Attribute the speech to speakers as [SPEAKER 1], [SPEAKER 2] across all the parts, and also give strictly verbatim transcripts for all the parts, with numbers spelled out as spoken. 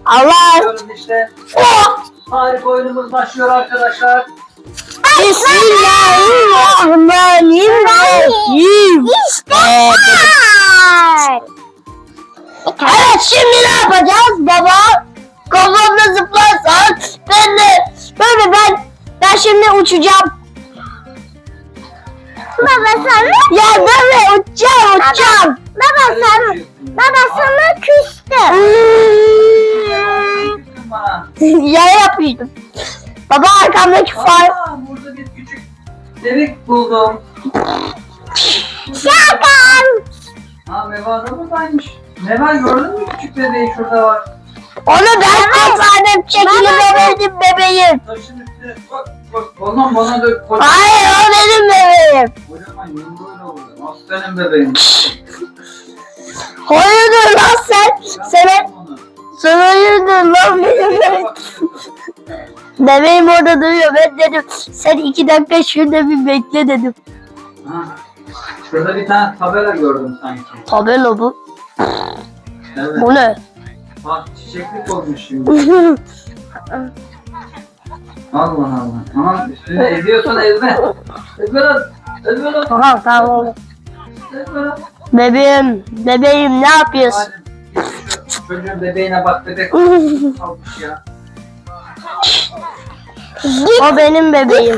[SPEAKER 1] Allah.
[SPEAKER 2] Diyoruz işte. Oh! Harika oyunumuz başlıyor arkadaşlar.
[SPEAKER 1] Bismillahirrahmanirrahim. İşte. Evet, şimdi ne yapacağız baba? Kafamda zıplarsan ben de böyle ben ben şimdi uçacağım. Baba sana ya böyle uçacağım uçacağım. Baba sana baba sana küstüm. Ya yapıyordum. Baba arkamdaki far.
[SPEAKER 2] Aa, burada bir küçük bebek buldum.
[SPEAKER 1] Şakan.
[SPEAKER 2] Ha Meva da buradaymış. Meva gördün mü küçük bebeği şurada var.
[SPEAKER 1] Onu ben kurtardım. Çekili bebeğim bebeğim.
[SPEAKER 2] Taşın üstüne bak bak ondan bana dök. Koy.
[SPEAKER 1] Hayır o benim bebeğim.
[SPEAKER 2] Kocaman yumruğuyla vurdu. Nasıl senin bebeğin?
[SPEAKER 1] Hayırdır lan sen? Sen sen hayırdır lan benim bebeğim. Bebeğim orada duruyor. Ben dedim sen iki dakika şurada bir bekle dedim.
[SPEAKER 2] Ha. Şurada bir tane tabela gördüm sanki.
[SPEAKER 1] Tabela bu.
[SPEAKER 2] Evet.
[SPEAKER 1] Bu ne?
[SPEAKER 2] Bak çiçeklik olmuş şimdi. Allah Allah. Aman üstüne eziyorsan ezme. Ezme lan. Ezme lan.
[SPEAKER 1] Tamam tamam.
[SPEAKER 2] Ezme lan.
[SPEAKER 1] Bebeğim, bebeğim ne yapıyorsun?
[SPEAKER 2] Hadi. Şu çocuğun bebeğine bak bebek kalmış ya.
[SPEAKER 1] O benim bebeğim.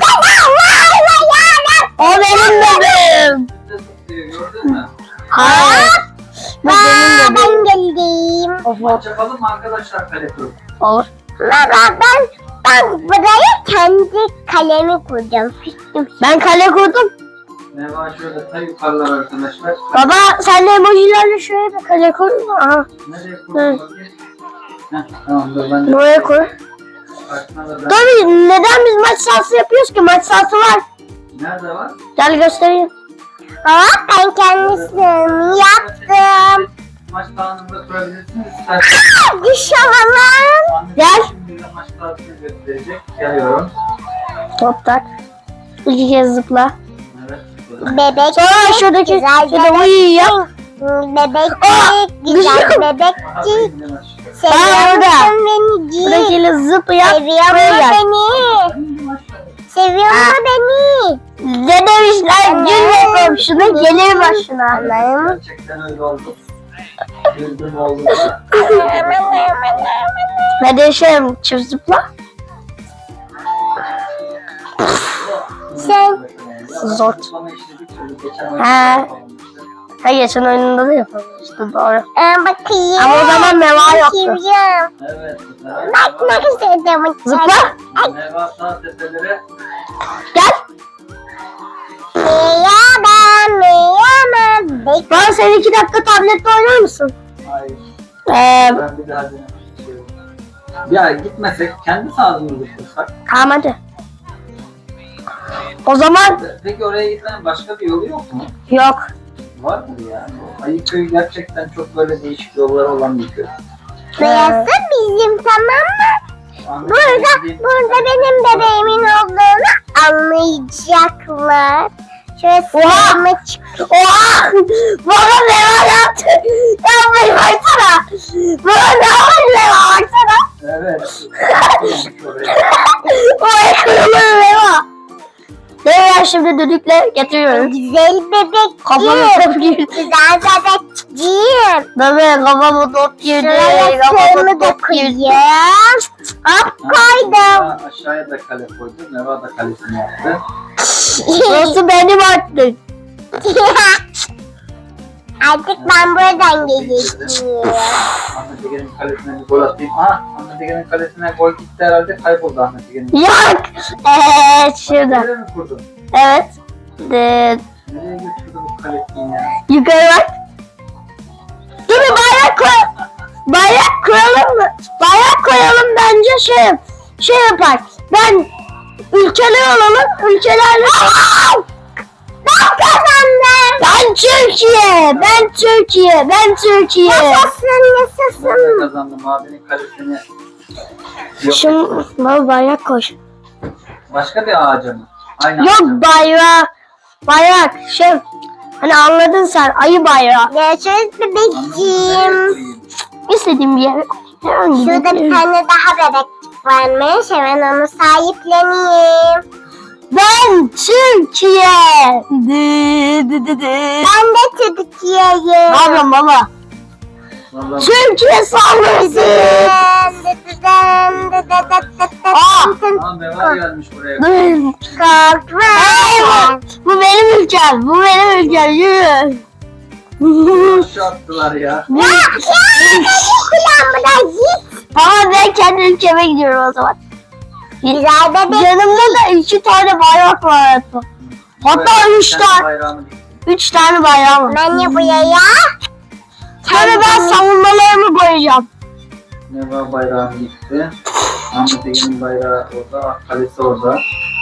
[SPEAKER 1] O benim bebeğim.
[SPEAKER 2] Ne zıplıyor gördün mü?
[SPEAKER 1] Hayır. Bu benim bebeğim.
[SPEAKER 3] geldim.
[SPEAKER 2] Maç yapalım mı arkadaşlar kale kurup?
[SPEAKER 1] Olur.
[SPEAKER 3] Baba ben, ben buraya kendi kalemi kuracağım. Küstüm.
[SPEAKER 1] Ben kale kurdum.
[SPEAKER 2] Ne var şöyle ta yukarılar arkadaşlar.
[SPEAKER 1] Baba sen de emojilerle şöyle bir kale kur. Aha.
[SPEAKER 2] Nereye kurdun bakayım? Heh, tamam dur ben de.
[SPEAKER 1] Buraya kur.
[SPEAKER 2] Karşına da ben.
[SPEAKER 1] Tabii neden biz maç sahası yapıyoruz ki? Maç sahası var.
[SPEAKER 2] Nerede var?
[SPEAKER 1] Gel göstereyim.
[SPEAKER 3] Baba ben kendisini yaptım.
[SPEAKER 2] Maç sahanında kurabilirsiniz. İsterseniz.
[SPEAKER 3] Düş havalar.
[SPEAKER 1] Gel.
[SPEAKER 2] Şimdi de maç sahasını gösterecek. Geliyorum.
[SPEAKER 1] Top tak. İki kez zıpla.
[SPEAKER 2] Evet.
[SPEAKER 3] Bebek.
[SPEAKER 1] Sonra şuradaki
[SPEAKER 3] güzel
[SPEAKER 1] şurada uyu yap.
[SPEAKER 3] Bebekçik, güzel
[SPEAKER 1] düşüyorum.
[SPEAKER 3] bebekçik.
[SPEAKER 1] Aa,
[SPEAKER 3] Seviyor
[SPEAKER 1] orada.
[SPEAKER 3] musun beni? Cik?
[SPEAKER 1] Buradakiyle zıp yap.
[SPEAKER 3] Seviyor
[SPEAKER 1] Buraya
[SPEAKER 3] mu
[SPEAKER 1] gel.
[SPEAKER 3] beni? Seviyor mu beni?
[SPEAKER 1] Ne demişler? Gül komşuna gelir başına.
[SPEAKER 3] Anam.
[SPEAKER 2] Gerçekten öyle oldu. Güldüm oldu.
[SPEAKER 1] Ne değişelim? Çift zıpla.
[SPEAKER 3] Sen-
[SPEAKER 1] Zor.
[SPEAKER 2] He.
[SPEAKER 1] He. Ha geçen oyununda da yapamamıştı doğru.
[SPEAKER 3] Aa, bakayım.
[SPEAKER 1] Ama o zaman meva yoktu.
[SPEAKER 3] Bakayım.
[SPEAKER 2] Evet.
[SPEAKER 3] Bakmak istedim.
[SPEAKER 1] Zıpla.
[SPEAKER 2] Meva sağ tepeleri.
[SPEAKER 1] Gel.
[SPEAKER 3] Meyemem, meyemem. Bek-
[SPEAKER 1] Bana sen iki dakika tablette oynar mısın?
[SPEAKER 2] Hayır.
[SPEAKER 1] Ee,
[SPEAKER 2] Ben bir daha denemek istiyorum. Ya gitmesek kendi sahasını düşünsek.
[SPEAKER 1] tamam hadi. O zaman
[SPEAKER 2] Peki oraya gitmenin başka bir yolu yok mu?
[SPEAKER 1] yok.
[SPEAKER 2] Var mı ya? Ayıköy gerçekten çok böyle değişik yolları olan bir köy.
[SPEAKER 3] Burası bizim, tamam mı?
[SPEAKER 2] Anladın
[SPEAKER 3] Burada,
[SPEAKER 2] mı?
[SPEAKER 3] burada benim bebeğimin olduğunu anlayacaklar. Şöyle
[SPEAKER 1] Oha!
[SPEAKER 3] sırma çık.
[SPEAKER 1] Oha! Bana meva yaptı. Yapmayı baksana. Bana ne var meva baksana.
[SPEAKER 2] Evet.
[SPEAKER 1] Oraya kırılır meva. Ben şimdi düdükle getiriyorum.
[SPEAKER 3] Güzel bebek.
[SPEAKER 1] Kafamı top girdi.
[SPEAKER 3] Güzel bebekciğim.
[SPEAKER 1] Bebe kafamı top girdi.
[SPEAKER 3] Şuraya
[SPEAKER 1] Kafamı
[SPEAKER 3] sırmı da
[SPEAKER 1] top girdi.
[SPEAKER 3] koyayım. Hop koydum.
[SPEAKER 2] Ha, aşağıya da kale koydu. Meva da kalesini yaptı.
[SPEAKER 1] Burası benim artık.
[SPEAKER 3] Artık ben buradan geleceğim.
[SPEAKER 2] Ahmet Ege'nin kalesine bir gol atayım. Aha Ahmet Ege'nin kalesine gol gitti herhalde, kayboldu Ahmet Ege'nin.
[SPEAKER 1] Yok. Evet şurada.
[SPEAKER 2] Nereye mi kurdun?
[SPEAKER 1] Evet. De,
[SPEAKER 2] Nereye götürdü bu kalesini ya?
[SPEAKER 1] yukarı bak. Dur bir bayrak koy. Bayrak koyalım mı? Bayrak koyalım bence şey şey yapar. Ben ülkeler olalım. Ülkelerle. Ben kazandım. Ben Türkiye. Ben Türkiye. Ben Türkiye.
[SPEAKER 3] Yaşasın,
[SPEAKER 2] Ben
[SPEAKER 3] yaşasın.
[SPEAKER 2] kazandım abinin kalesini. Yok.
[SPEAKER 1] Şimdi bana bayrak koy.
[SPEAKER 2] Başka bir ağaca mı? Aynı
[SPEAKER 1] Yok
[SPEAKER 2] ağaca mı?
[SPEAKER 1] bayrak. Bayrak şey. Hani anladın sen ayı bayrağı.
[SPEAKER 3] Görüşürüz
[SPEAKER 2] Anladın mı? Nereye
[SPEAKER 3] bebekciğim.
[SPEAKER 2] koyayım?
[SPEAKER 1] İstediğim bir yere koy. Hemen
[SPEAKER 3] Şurada bir
[SPEAKER 1] gidelim.
[SPEAKER 3] tane daha bebekçik varmış. Hemen onu sahipleneyim.
[SPEAKER 1] Ben Türkiye. Dı dı dı dı.
[SPEAKER 3] Ben de Türkiye'yim.
[SPEAKER 1] Ne yapıyorsun baba?
[SPEAKER 2] Vallahi
[SPEAKER 1] Türkiye saldırısı. Aa!
[SPEAKER 2] Aa, Meva gelmiş buraya.
[SPEAKER 1] Dur.
[SPEAKER 3] Korkma.
[SPEAKER 1] Hayır, bu benim ülkem. Bu benim ülkem. Yürü.
[SPEAKER 2] Aşağı attılar ya.
[SPEAKER 3] Ya ya kulağımda git.
[SPEAKER 1] Ama ben kendi ülkeme gidiyorum o zaman.
[SPEAKER 3] Güzel bebek.
[SPEAKER 1] Yanımda da iki tane bayrak var hayatta. Hatta üç
[SPEAKER 2] Kendi
[SPEAKER 1] tane.
[SPEAKER 2] bayrağını dikti.
[SPEAKER 1] Üç tane bayrak var.
[SPEAKER 3] Ben ne buraya?
[SPEAKER 1] Sonra ben savunmalarımı koyacağım.
[SPEAKER 2] Meva bayrağını dikti. Ahmet Ege'nin bayrağı orada, kalesi orada.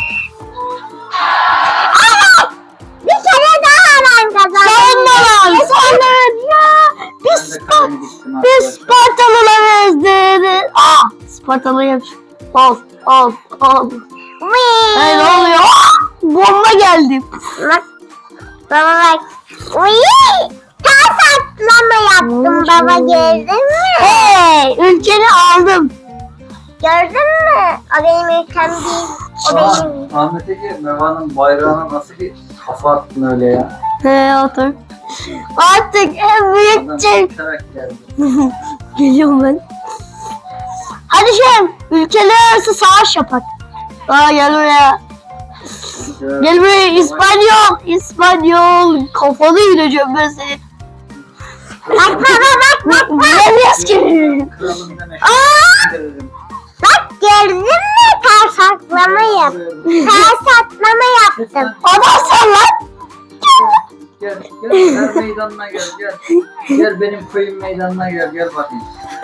[SPEAKER 3] Bir kere daha ben kazandım.
[SPEAKER 1] Savunmalar. Sonra ya.
[SPEAKER 2] Ben
[SPEAKER 1] Biz,
[SPEAKER 2] de kalemi diktim
[SPEAKER 1] biz
[SPEAKER 2] arkadaşlar.
[SPEAKER 1] Spartalılarız dedi. Aa, Spartalıyım. Ol, ol, ol.
[SPEAKER 3] Wee.
[SPEAKER 1] Hey, ne oluyor? Aa, bomba geldi.
[SPEAKER 3] Bak. Baba bak. Wee. Ters atlama yaptım baba, gördün mü?
[SPEAKER 1] Hey, ülkeni aldım.
[SPEAKER 3] Gördün mü? O benim ülkem değil. O
[SPEAKER 2] Aa,
[SPEAKER 3] benim.
[SPEAKER 2] Ahmet Ege, Meva'nın bayrağına nasıl bir kafa attın öyle ya?
[SPEAKER 1] He, otur. Artık en
[SPEAKER 2] Adam
[SPEAKER 1] büyük
[SPEAKER 2] uçarak geldi.
[SPEAKER 1] Geliyorum ben. Hadi şey, ülkeler arası savaş yapak. Aa, gel buraya. Gel buraya İspanyol. İspanyol. Kafanı yiyeceğim ben seni.
[SPEAKER 3] Bak baba bak bak.
[SPEAKER 1] Bilemiyoruz ki.
[SPEAKER 2] Kralım demek.
[SPEAKER 3] Aa!
[SPEAKER 2] Dedim.
[SPEAKER 3] Bak gördün mü? Ters atlama yap. Ters atlama yaptım.
[SPEAKER 1] Adam lan.
[SPEAKER 2] Gel, gel, gel meydanına gel, gel. Gel benim köyüm meydanına gel, gel bakayım.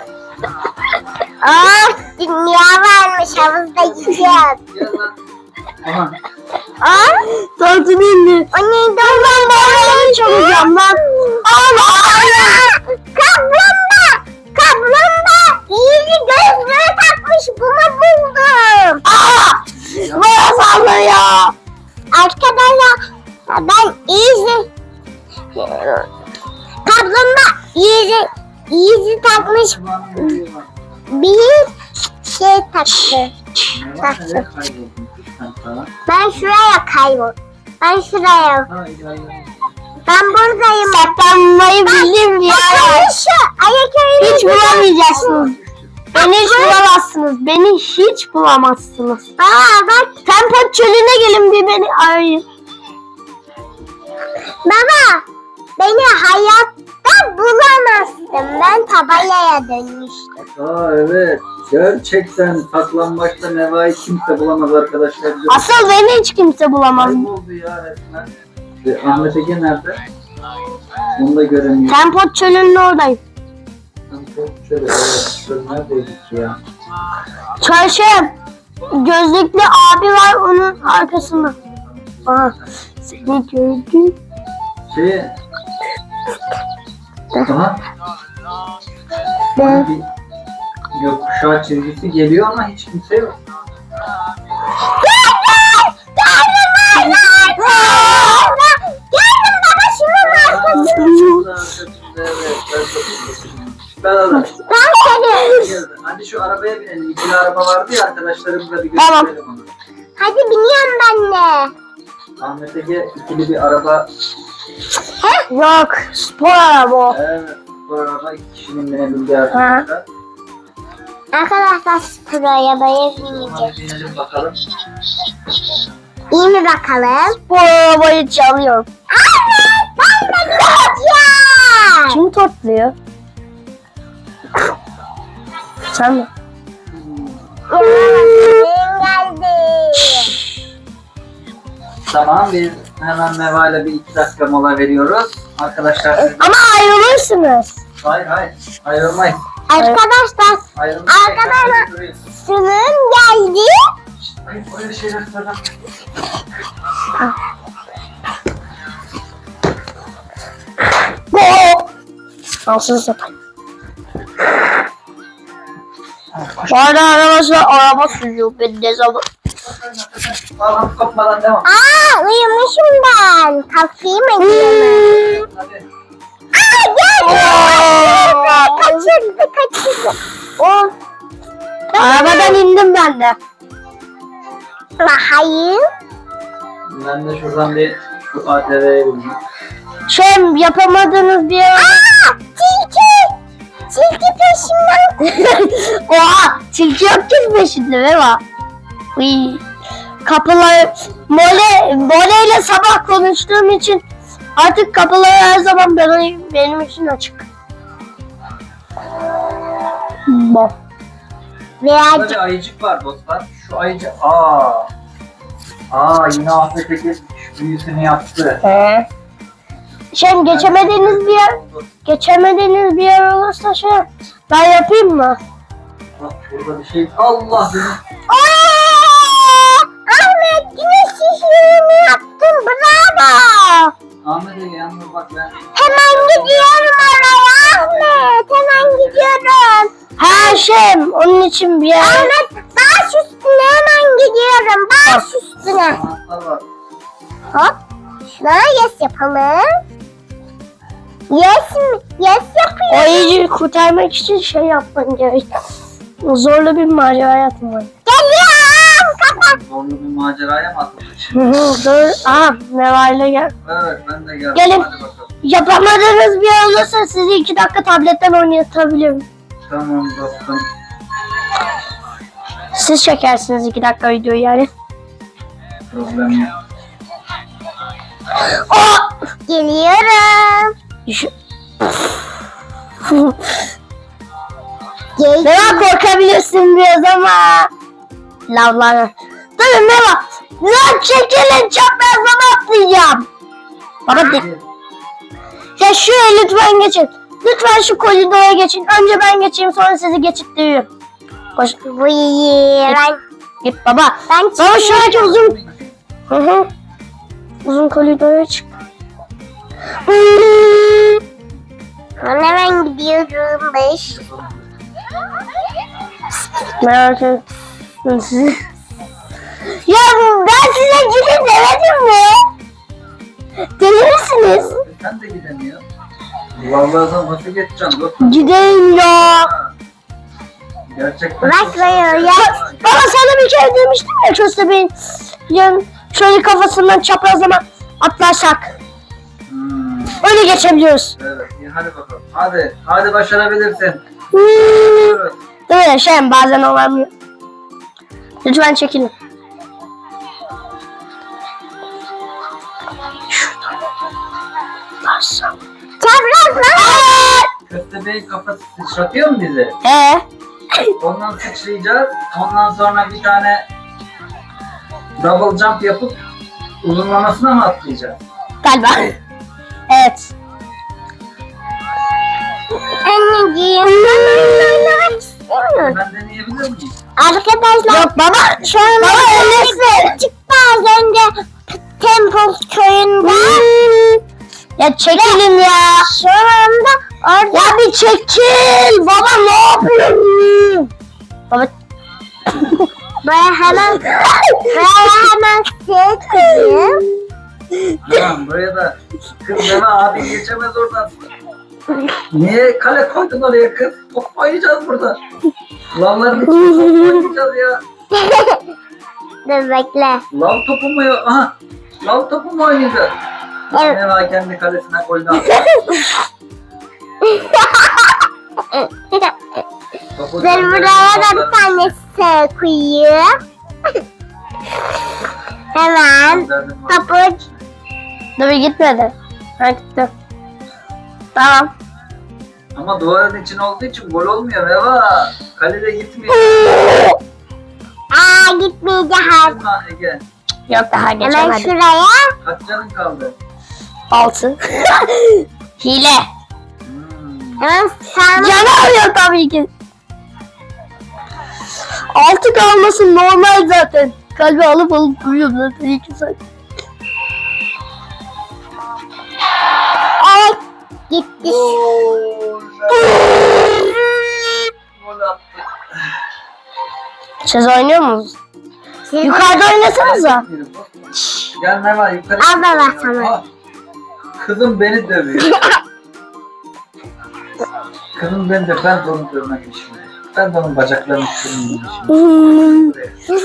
[SPEAKER 3] Aa, dünya varmış, havuzda gideceğiz.
[SPEAKER 2] Gel lan. Aha,
[SPEAKER 3] Aa,
[SPEAKER 1] Tortunu indi.
[SPEAKER 3] o neydi?
[SPEAKER 1] Ben bayrağı çalacağım lan. Allah.
[SPEAKER 3] Kaplumbağa! Kaplumbağa! İyice gözlüğü takmış, bunu buldum.
[SPEAKER 1] Aa! Bana sallıyor.
[SPEAKER 3] Arkadaşlar, ben iyice... Kaplumbağa iyice, iyice takmış
[SPEAKER 2] Meva'nın büyüğü var.
[SPEAKER 3] bir şey taktı.
[SPEAKER 2] Meva nereye kayboldun? Sen sana.
[SPEAKER 3] Ben şuraya kaybol. Ben şuraya.
[SPEAKER 2] Ha, gel, gel.
[SPEAKER 3] Ben buradayım.
[SPEAKER 1] Saklanmayı bildim ya.
[SPEAKER 3] Bakın şu ayak öyle.
[SPEAKER 1] Hiç bulamayacaksınız. Beni hiç bulamazsınız. Beni hiç bulamazsınız.
[SPEAKER 3] Aa bak
[SPEAKER 1] Tempo çölüne gelin bir beni arayın.
[SPEAKER 3] baba. Beni hayatta bulamazsın. Ben tabelaya dönmüştüm.
[SPEAKER 2] Aa evet. Gerçekten saklambaçta Meva'yı kimse bulamaz arkadaşlar.
[SPEAKER 1] Asıl beni hiç kimse bulamaz.
[SPEAKER 2] Kayboldu ya resmen. Ve Ahmet Ege nerede? Onu da göremiyorum.
[SPEAKER 1] Tempo çölünün oradayım.
[SPEAKER 2] Şöyle, evet. Şöyle neredeydik ya?
[SPEAKER 1] Çarşım. Gözlüklü abi var onun arkasında. Aha. Seni gördüm.
[SPEAKER 2] Şey... Aha.
[SPEAKER 1] Ben.
[SPEAKER 2] Bir gökkuşağı çizgisi geliyor ama hiç kimse yok.
[SPEAKER 3] Geldim baba şunun arkasında.
[SPEAKER 2] Ben alırım.
[SPEAKER 3] Ben seni.
[SPEAKER 2] Hadi şu arabaya binelim. İkili araba vardı ya arkadaşlarımızla bir
[SPEAKER 1] Tamam.
[SPEAKER 2] gösterelim onu.
[SPEAKER 3] Hadi biniyorum ben de.
[SPEAKER 2] Ahmet Ege ikili bir araba.
[SPEAKER 1] Yok. Spor araba o.
[SPEAKER 2] Evet. Bu araba iki kişinin binebildiği arkadaşlar.
[SPEAKER 3] Arkadaşlar spor arabaya bineceğiz.
[SPEAKER 2] Hadi binelim bakalım.
[SPEAKER 3] İyi mi bakalım?
[SPEAKER 1] Spor arabayı çalıyorum.
[SPEAKER 3] Evet ben de bineceğim.
[SPEAKER 1] Kim topluyor? Sen mi?
[SPEAKER 3] Yavrum geldi.
[SPEAKER 2] Tamam biz hemen Meva ile bir iki dakika mola veriyoruz. Arkadaşlar siz...
[SPEAKER 1] Ama ayrılırsınız.
[SPEAKER 2] Hayır hayır ayrılmayız.
[SPEAKER 3] Arkadaşlar
[SPEAKER 2] Ayrılmayız.
[SPEAKER 3] Arkadaşlar. sınırım geldi.
[SPEAKER 2] Hayır öyle şeyler söyleme.
[SPEAKER 1] Go! Alsın sapayım. Bu arada arkadaşlar araba sürüyor ben ne zaman.
[SPEAKER 2] Allah'ım kopmadan devam.
[SPEAKER 3] Aa uyumuşum ben. Kalkayım ediyorum.
[SPEAKER 2] Hadi.
[SPEAKER 3] Aa geldi.
[SPEAKER 1] Oo.
[SPEAKER 3] Kaçırdı kaçırdı.
[SPEAKER 1] Oo Arabadan indim ben de.
[SPEAKER 3] Hayır.
[SPEAKER 2] Ben de şuradan bir şu A T V'ye bineyim.
[SPEAKER 1] Şey yapamadığınız bir yer.
[SPEAKER 3] Aa, tilki. Tilki peşimden.
[SPEAKER 1] Oha tilki yok ki peşinde Meva. Uy. Kapıları Mole, Mole ile sabah konuştuğum için artık kapıları her zaman benim, benim için açık. Bom.
[SPEAKER 3] Veya
[SPEAKER 2] Burada bir ayıcık var dostlar. Şu ayıcık... Aa. Aa yine Ahmet Eke büyüsünü yaptı.
[SPEAKER 1] He. Şey geçemediğiniz bir yer, geçemediğiniz bir yer olursa şey ben yapayım mı?
[SPEAKER 2] Bak burada bir şey... Allah benim...
[SPEAKER 3] Aa, Ahmet güneş ışığını yaptın. Bravo.
[SPEAKER 2] Ahmet Ege yalnız bak ben...
[SPEAKER 3] Hemen gidiyorum oraya Ahmet. Hemen gidiyorum.
[SPEAKER 1] Ha şey onun için bir yer.
[SPEAKER 3] Ahmet baş üstüne hemen gidiyorum. Baş üstüne.
[SPEAKER 2] Anahtar var.
[SPEAKER 3] Hop. Şuna yes yapalım. Yes mi? Yes
[SPEAKER 1] O
[SPEAKER 3] yapıyorum.
[SPEAKER 1] ayıcıyı kurtarmak için şey yapman gerek. Zorlu bir macera yapman.
[SPEAKER 3] Geliyorum. Kapat.
[SPEAKER 2] Zorlu bir maceraya mı atıldık?
[SPEAKER 1] Hı hı, Dur. Aha Neva ile gel.
[SPEAKER 2] Evet ben de geldim.
[SPEAKER 1] Gelin.
[SPEAKER 2] Hadi bakalım.
[SPEAKER 1] Yapamadığınız bir yer olursa sizi iki dakika tabletten oynatabilirim.
[SPEAKER 2] Tamam dostum.
[SPEAKER 1] Siz çekersiniz iki dakika videoyu yani.
[SPEAKER 2] Problem yok.
[SPEAKER 1] Oh!
[SPEAKER 3] Geliyorum.
[SPEAKER 1] Düşün.
[SPEAKER 3] Gel.
[SPEAKER 1] Neva korkabilirsin biraz ama. Lavlara. Tabii Neva. Lan çekilin çaprazlama atlayacağım. Baba de. Ya şuraya lütfen geçin. Lütfen şu koridora geçin. Önce ben geçeyim sonra sizi geçittiriyorum. Koş.
[SPEAKER 3] Buyur. Ben,
[SPEAKER 1] Git baba.
[SPEAKER 3] ben
[SPEAKER 1] Baba
[SPEAKER 3] çıkıyorum.
[SPEAKER 1] şuradaki uzun. Hı hı. Uzun koridora çık.
[SPEAKER 3] Ben hemen gidiyorum. Beş.
[SPEAKER 1] Merak ettim sizi. Ya ben size gidin demedim mi? Deli misiniz?
[SPEAKER 2] Sen de gidemiyor. Vallahi sen nasıl geçeceksin dostum?
[SPEAKER 1] Gidelim ya.
[SPEAKER 2] Gerçekten.
[SPEAKER 3] Bak bayıyor ya.
[SPEAKER 1] Baba sana bir kere demiştim ya köstebeğin. Yani şöyle kafasından çaprazlama atlarsak.
[SPEAKER 2] Hmm,
[SPEAKER 1] Öyle geçebiliyoruz.
[SPEAKER 2] evet iyi hadi bakalım. Hadi. Hadi başarabilirsin.
[SPEAKER 1] Hmm.
[SPEAKER 2] Buyurun.
[SPEAKER 1] Değil mi? Şey bazen olamıyor. Lütfen çekilin. Şuradan. Bassam.
[SPEAKER 3] Çaprazlama.
[SPEAKER 2] Köstebeğin kafası sıçratıyor mu bizi?
[SPEAKER 1] Ee?
[SPEAKER 2] Ondan sıçrayacağız. Ondan sonra bir tane double jump yapıp uzunlamasına mı atlayacağız?
[SPEAKER 1] Galiba. Evet.
[SPEAKER 3] Anneciğim. Ben oyun oynamak istemiyorum.
[SPEAKER 2] Ben deneyebilir miyim?
[SPEAKER 3] Arkadaşlar.
[SPEAKER 1] Yok baba.
[SPEAKER 3] Şu an
[SPEAKER 1] Baba öyleyse.
[SPEAKER 3] çıktı az önce Temple köyünde.
[SPEAKER 1] Ya çekilin ya.
[SPEAKER 3] Şu anda orada
[SPEAKER 1] Ya bir çekil. Baba ne yapıyorsun? Baba.
[SPEAKER 3] böyle hemen böyle hemen çekeyim.
[SPEAKER 2] Tamam buraya da kız deme abi geçemez oradan. Niye kale koydun oraya kız? Top oynayacağız burada. Lavların içinde top oynayacağız ya.
[SPEAKER 3] Dur bekle.
[SPEAKER 2] Lav topu mu ya? Aha. Lav topu mu oynayacağız?
[SPEAKER 3] Evet.
[SPEAKER 2] Ne var kendi kalesine golünü attı. Topu
[SPEAKER 3] Dur buraya da bir tane S koyayım. Hemen topu
[SPEAKER 1] Dur bir gitmedi. Ha gitti. Tamam.
[SPEAKER 2] Ama duvarın için olduğu için gol olmuyor Meva. Kalede gitmiyor.
[SPEAKER 3] aa gitmeyeceğiz.
[SPEAKER 2] Lan Ege.
[SPEAKER 1] Yok daha
[SPEAKER 3] Hemen
[SPEAKER 1] geçemedi.
[SPEAKER 3] şuraya.
[SPEAKER 2] Kaç canın kaldı?
[SPEAKER 1] Altı. Hile.
[SPEAKER 2] Hmm.
[SPEAKER 3] Hemen sağına.
[SPEAKER 1] Canı alıyor tabii ki. Altı kalması normal zaten. Kalbi alıp alıp duruyorum zaten iki saat.
[SPEAKER 3] Evet. Gitti.
[SPEAKER 2] Gol. Gol attı.
[SPEAKER 1] Siz oynuyor musunuz?
[SPEAKER 3] Siz-
[SPEAKER 1] Yukarıda oynasanıza.
[SPEAKER 2] Gel Meva yukarı.
[SPEAKER 3] Al baba sana.
[SPEAKER 2] Ah, Kızım beni dövüyor. Kızım beni de ben de onu dövmek şimdi. Ben de onun bacaklarını kırmayayım şimdi.
[SPEAKER 1] Hmm.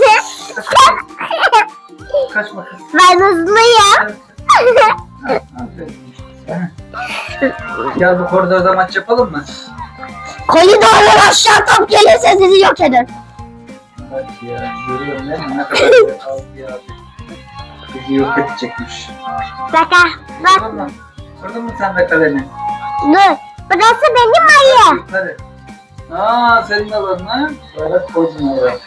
[SPEAKER 2] Kaçma kız.
[SPEAKER 3] Ben hızlıyım.
[SPEAKER 2] Ha, aferin. Gel bu koridorda maç yapalım mı?
[SPEAKER 1] Koridordan aşağı top gelirse sizi yok eder.
[SPEAKER 2] Bak ya, görüyorum değil mi? Ne kadar kaldı ya. Bizi yok edecekmiş.
[SPEAKER 3] Bak bak.
[SPEAKER 2] Kırdın mı? Kırdın mı sen de kaleni?
[SPEAKER 3] Dur. Burası benim ayım.
[SPEAKER 2] Yukarı. Aa, senin alanına bayrak koydun oraya.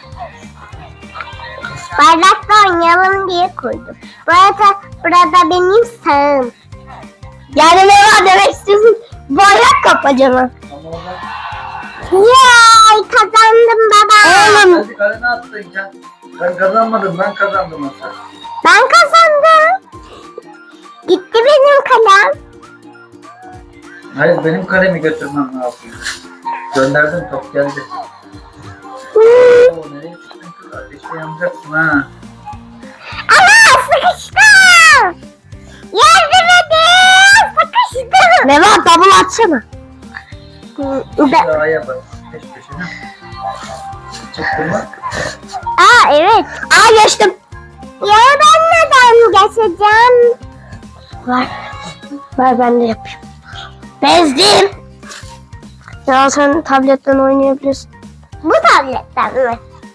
[SPEAKER 3] Bardakla oynayalım diye koydum. Burada, burada benim sağım.
[SPEAKER 1] Yani ne var demek istiyorsun? Bayrak kapacağım.
[SPEAKER 2] Ama orada
[SPEAKER 3] Yay kazandım baba.
[SPEAKER 1] Oğlum.
[SPEAKER 2] hadi kaleni attın sen. Ben kazanmadım, ben kazandım aslında.
[SPEAKER 3] Ben kazandım. Gitti benim kalem.
[SPEAKER 2] Hayır, benim kalemi götürmem lazım. Gönderdim, top geldi.
[SPEAKER 3] Hmm.
[SPEAKER 2] Oo, nereye çıktın kız? Ateşte yanacaksın ha.
[SPEAKER 3] Ama sıkıştım. Yardım edin. Sıkıştım.
[SPEAKER 1] Ne var double atsana.
[SPEAKER 2] Bir daha yap. Peş peşine. Çıktın mı?
[SPEAKER 3] Aa evet.
[SPEAKER 1] Aa geçtim.
[SPEAKER 3] Ya ben neden geçeceğim?
[SPEAKER 1] Ver. Ver ben de yapayım. Bezdim. Ya sen tabletten oynayabilirsin.
[SPEAKER 3] Bu tabletten mi?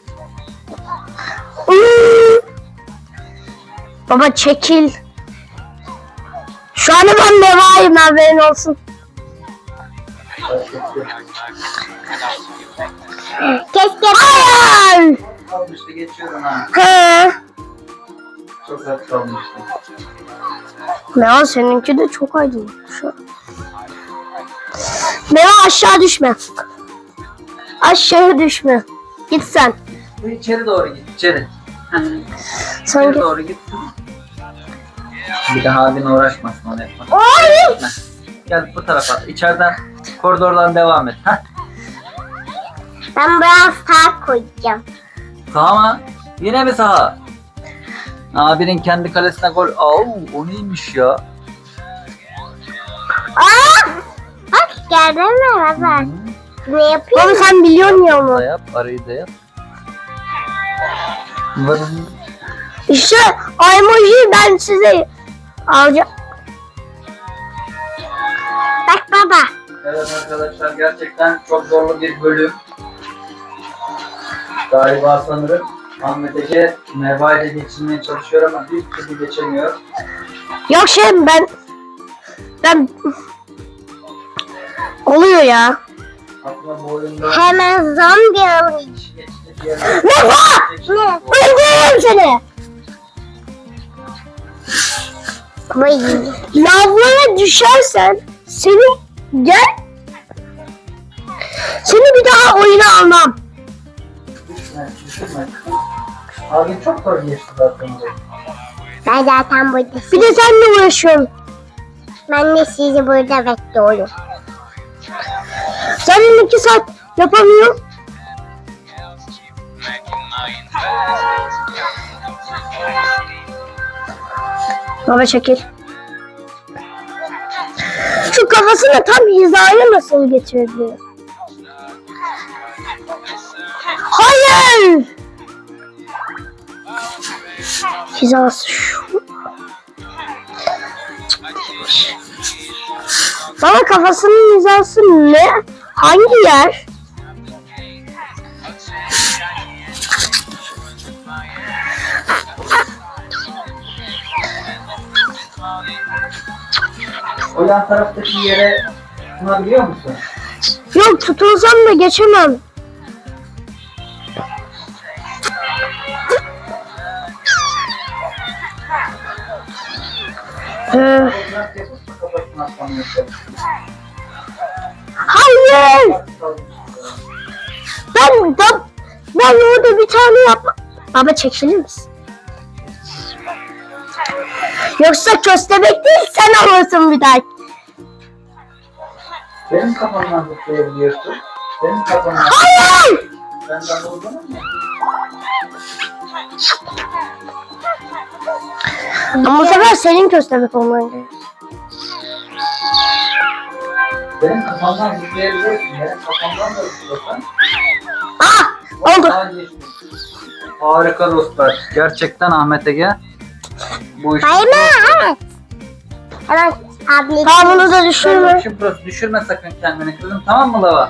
[SPEAKER 1] Hmm. Baba çekil. Şu an ben devayım, haberin olsun.
[SPEAKER 3] Keşke
[SPEAKER 1] Hayır.
[SPEAKER 2] Kalmıştı, geçiyorum ha.
[SPEAKER 1] He.
[SPEAKER 2] Çok az kalmıştı.
[SPEAKER 1] Meva seninki de çok aydınlık şu an. Meva aşağı düşme. Aşağı düşme. Git sen.
[SPEAKER 2] Bu içeri doğru git, içeri.
[SPEAKER 1] Sen
[SPEAKER 2] İçeri
[SPEAKER 1] git.
[SPEAKER 2] doğru git. Bir daha abin uğraşmasın onu yapmak.
[SPEAKER 3] Oy!
[SPEAKER 2] Heh. Gel bu tarafa. İçeriden, koridordan devam et. Heh.
[SPEAKER 3] Ben biraz sağ koyacağım.
[SPEAKER 2] Saha mı? Yine mi saha? Abinin kendi kalesine gol. Au, o neymiş ya?
[SPEAKER 3] Aa! Bak gördün mü baba? Ne yapıyor?
[SPEAKER 1] Baba sen biliyorsun ya onu.
[SPEAKER 2] Da yap, arayı da yap. Vırın.
[SPEAKER 1] İşte o emojiyi ben size alacağım.
[SPEAKER 3] Bak baba.
[SPEAKER 2] Evet arkadaşlar, gerçekten çok zorlu bir bölüm. Galiba sanırım Ahmet Ege Merva ile geçirmeye çalışıyor ama bir türlü geçemiyor.
[SPEAKER 1] Yok şey ben ben oluyor ya.
[SPEAKER 2] Aslında bu oyunda
[SPEAKER 3] Hemen zombi alayım.
[SPEAKER 2] hiç geçecek yer yok.
[SPEAKER 1] Merva!
[SPEAKER 3] Ne?
[SPEAKER 1] Öldürürüm seni.
[SPEAKER 3] Vay.
[SPEAKER 1] Lavlara düşersen seni gel. Seni bir daha oyuna almam.
[SPEAKER 2] Düşme, düşme. Abi çok zor geçti zaten. bu.
[SPEAKER 3] Ben zaten burada.
[SPEAKER 1] Bir de seninle uğraşıyorum.
[SPEAKER 3] Ben de sizi burada bekliyorum.
[SPEAKER 1] Senin iki saat yapamıyorum. Baba çekil. Şu kafasını tam hizaya nasıl geçirebiliyor? Hayır! Hizası şu. Baba kafasının hizası ne? Hangi yer?
[SPEAKER 2] O yan taraftaki yere tutunabiliyor musun?
[SPEAKER 1] Yok tutulsam da geçemem. Ee,
[SPEAKER 2] Kafasını atlamaya çalışıyorum.
[SPEAKER 1] hayır! Ben, ben, ben orada bir tane yapma. Baba çekilir misin? Yoksa köstebek değil sen alırsın bir daha.
[SPEAKER 2] Benim kafamdan zıplayabiliyorsun. Benim kafamdan.
[SPEAKER 1] Hayır!
[SPEAKER 2] Benden vurdun mu?
[SPEAKER 1] Ama bu sefer senin köstebek olman gerekiyor.
[SPEAKER 2] Benim kafamdan zıplayabiliyorsun. Benim kafamdan da zıplasan.
[SPEAKER 1] Oldu.
[SPEAKER 2] Vallahi geçtik. Harika dostlar. Gerçekten Ahmet Ege. Bu iş.
[SPEAKER 3] Hayır mı? Evet. Hemen abla.
[SPEAKER 1] Tamam bunu da düşürme.
[SPEAKER 2] Düşürme. Burası. Düşürme sakın kendini kızım. Tamam mı Lava?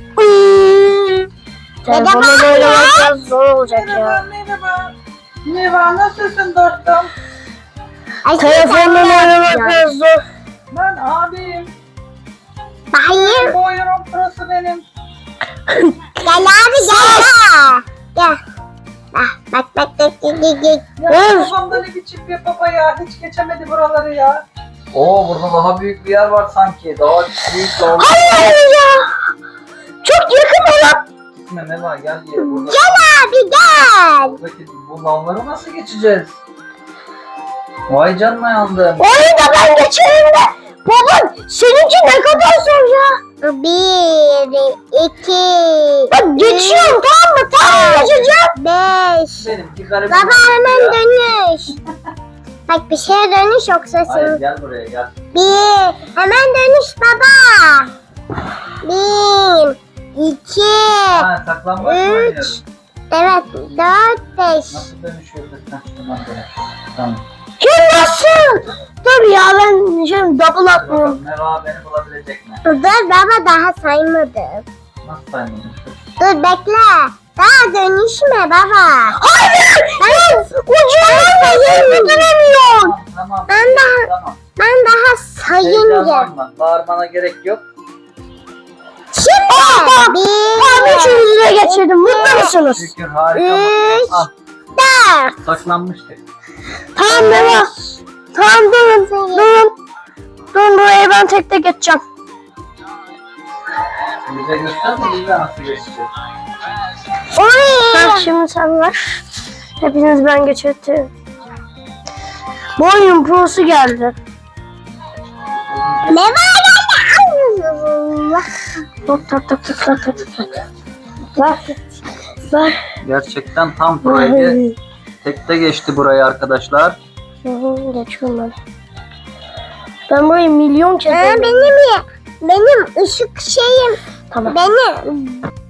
[SPEAKER 1] Telefonla oynamak biraz zor olacak ya.
[SPEAKER 2] merhaba. Merhaba nasılsın dostum?
[SPEAKER 3] Ay,
[SPEAKER 1] Telefonla oynamak
[SPEAKER 3] ya.
[SPEAKER 1] biraz zor.
[SPEAKER 2] Ben abim.
[SPEAKER 3] Hayır.
[SPEAKER 2] Bu oyunun prosu benim.
[SPEAKER 3] Gel abi gel. Gel. Bak bak bak bak bak bak.
[SPEAKER 2] Ya babamda ne biçim bir baba ya. Hiç geçemedi buraları ya. Oo burada daha büyük bir yer var sanki. Daha büyük daha.
[SPEAKER 1] Hayır ya. Çok yakın olan.
[SPEAKER 2] Gitme Meva gel diye. Burada,
[SPEAKER 3] Gel abi gel.
[SPEAKER 2] buradaki bu lavları nasıl geçeceğiz? Vay canına yandım.
[SPEAKER 1] Orayı da ben geçerim de. Baba seninki ne kadar zor ya.
[SPEAKER 3] Bir, iki,
[SPEAKER 1] Bak geçiyorum tamam mı? Tamam geçeceğim.
[SPEAKER 3] beş.
[SPEAKER 2] Benimki garip.
[SPEAKER 3] Baba hemen
[SPEAKER 2] ya.
[SPEAKER 3] dönüş. Bak bir şeye dönüş yoksa
[SPEAKER 2] Hayır
[SPEAKER 3] sen.
[SPEAKER 2] gel buraya gel.
[SPEAKER 3] Bir, hemen dönüş baba. Bir, iki,
[SPEAKER 2] Ha saklambaç mı
[SPEAKER 3] üç.
[SPEAKER 2] oynuyoruz?
[SPEAKER 3] evet, dört, beş.
[SPEAKER 2] Nasıl dönüşüyoruz? Heh, tamam dönüş. Tamam.
[SPEAKER 1] Kim nasıl? Dur ya ben şimdi double
[SPEAKER 2] Hadi
[SPEAKER 1] atmıyorum.
[SPEAKER 2] bakalım Meva beni bulabilecek mi?
[SPEAKER 3] Dur baba daha saymadım.
[SPEAKER 2] Nasıl saymadın?
[SPEAKER 3] Dur bekle. Daha dönüşme baba.
[SPEAKER 1] Hayır! Hayır! Ucundan da yerini göremiyorum.
[SPEAKER 2] Tamam tamam.
[SPEAKER 3] Ben de-
[SPEAKER 2] Tamam.
[SPEAKER 3] Ben daha sayınca.
[SPEAKER 2] Heyecanlanma. Bağırmana gerek yok.
[SPEAKER 3] Şimdi
[SPEAKER 1] Tamam
[SPEAKER 3] bir,
[SPEAKER 1] üçünüzü de geçirdim. Mutlu musunuz?
[SPEAKER 2] Şükür harika.
[SPEAKER 3] Üç.
[SPEAKER 2] Al
[SPEAKER 3] dört.
[SPEAKER 2] saklanmıştık.
[SPEAKER 1] Tamam Meva. Tamam durun. Durun. Durun buraya ben tek tek geçeceğim.
[SPEAKER 2] Bize göster de biz de nasıl geçeceğiz.
[SPEAKER 1] Ha,
[SPEAKER 3] Oy.
[SPEAKER 1] şimdi sen ver. Hepiniz ben geçirdim. Bu oyunun prosu geldi.
[SPEAKER 3] Ne var geldi?
[SPEAKER 1] Hop tak tak tak tak tak tak. Ver. Ver.
[SPEAKER 2] Gerçekten tam burayı tekte geçti burayı arkadaşlar.
[SPEAKER 1] Hı hı, geçiyorum ben. Ben burayı milyon kez
[SPEAKER 3] Aa,
[SPEAKER 1] oynadım.
[SPEAKER 3] benim ya. Benim ışık şeyim.
[SPEAKER 1] Tamam.
[SPEAKER 3] Benim